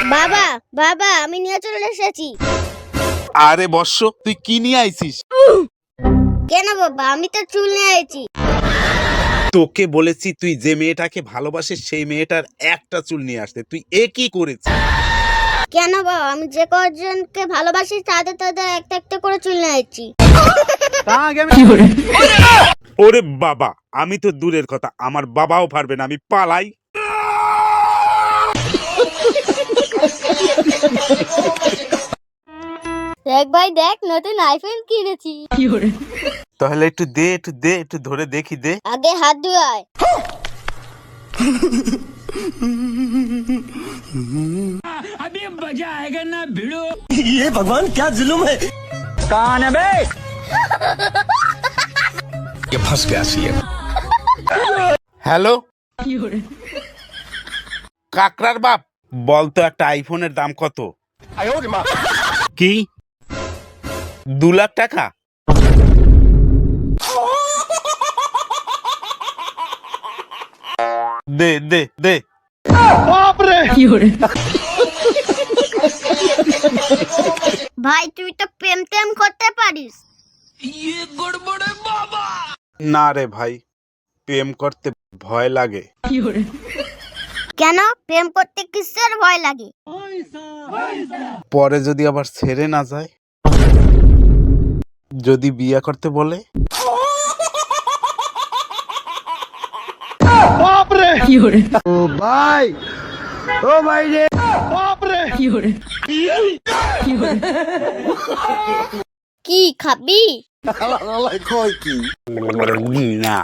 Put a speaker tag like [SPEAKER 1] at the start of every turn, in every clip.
[SPEAKER 1] বাবা বাবা আমি নিয়ে চলে এসেছি।
[SPEAKER 2] আরে বর্ষ, তুই কি নিয়ে আইছিস?
[SPEAKER 1] কেন বাবা, আমি তো চুল নিয়ে আইছি।
[SPEAKER 2] তোকে বলেছি তুই যে মেয়েটাকে ভালোবাসিস সেই মেয়েটার একটা চুল নিয়ে আসতে, তুই এ কি করেছিস?
[SPEAKER 1] কেন বাবা, আমি যে কজনকে ভালোবাসি তাদের তাদের একটা একটা করে চুল নিয়ে আইছি।
[SPEAKER 2] ওরে বাবা, আমি তো দূরের কথা, আমার বাবাও পারবে না, আমি পালাই।
[SPEAKER 1] দেখ ভাই দেখ, নতুন আইফোন কিনেছি।
[SPEAKER 2] তাহলে একটু দে, একটু ধরে দেখি, দে।
[SPEAKER 1] আগে হাত ধুয়ায়।
[SPEAKER 3] अभी मजा आएगा ना भिड़ो।
[SPEAKER 4] ये भगवान क्या जुल्म है।
[SPEAKER 3] कौन है बे?
[SPEAKER 4] ये फंस गया सीएम।
[SPEAKER 2] হ্যালো কাকরার বাপ, বলতো একটা আইফোনের দাম কত? কি 2 লাখ টাকা? দে দে দে।
[SPEAKER 1] ভাই তুই তো প্রেম টেম করতে পারিস।
[SPEAKER 2] না রে ভাই, প্রেম করতে ভয় লাগে।
[SPEAKER 1] কেন প্রেম করতে কিসের ভয় লাগে?
[SPEAKER 2] পরে যদি আবার ছেড়ে না যায়, যদি বিয়ে করতে বলে।
[SPEAKER 1] কি খাবি?
[SPEAKER 2] না।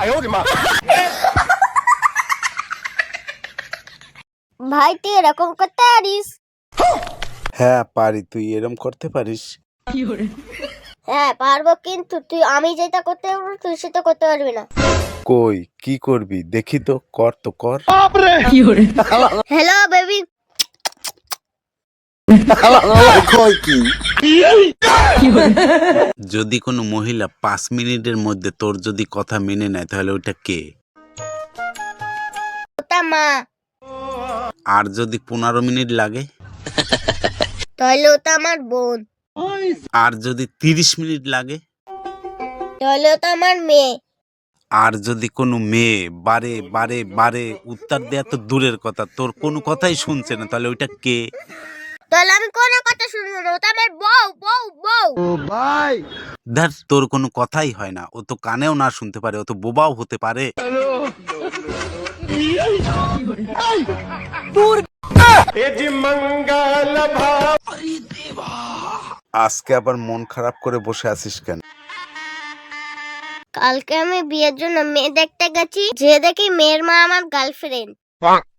[SPEAKER 1] ভাই তুই এরকম করতে পারিস?
[SPEAKER 2] হ্যাঁ পারি, তুই এরম করতে পারিস?
[SPEAKER 1] হ্যাঁ পারবো, কিন্তু তুই আমি যেটা করতে পারবো তুই সেটা করতে পারবি না।
[SPEAKER 2] কই কি করবি দেখি তো, কর তো কর।
[SPEAKER 1] Hello baby.
[SPEAKER 2] যদি কোনো মহিলা 5 মিনিটের মধ্যে তোর যদি কথা মেনে নেয় তাহলে ওটা কে?
[SPEAKER 1] ওটা মা।
[SPEAKER 2] আর যদি 15 মিনিট লাগে?
[SPEAKER 1] তাহলে ওটা আমার বোন।
[SPEAKER 2] আর যদি 30 মিনিট লাগে?
[SPEAKER 1] তাহলে ওটা আমার মেয়ে।
[SPEAKER 2] আর যদি কোনো মেয়ে বারে বারে বারে উত্তর দেয়া তো দূরের কথা, তোর কোনো কথাই শুনছে না, তাহলে ওইটা কে?
[SPEAKER 1] তাহলে আমি কোনো কথা শুনবো না, ওটা আমার বউ বউ বউ।
[SPEAKER 2] ধর, তোর কোনো কথাই হয় না, ও তো কানেও না শুনতে পারে, ও তো বোবাও হতে পারে। আজকে আবার মন খারাপ করে বসে আছিস কেন?
[SPEAKER 1] কালকে আমি বিয়ের জন্য মেয়ে দেখতে গেছি, যে দেখি মেয়ের মা আমার গার্লফ্রেন্ড।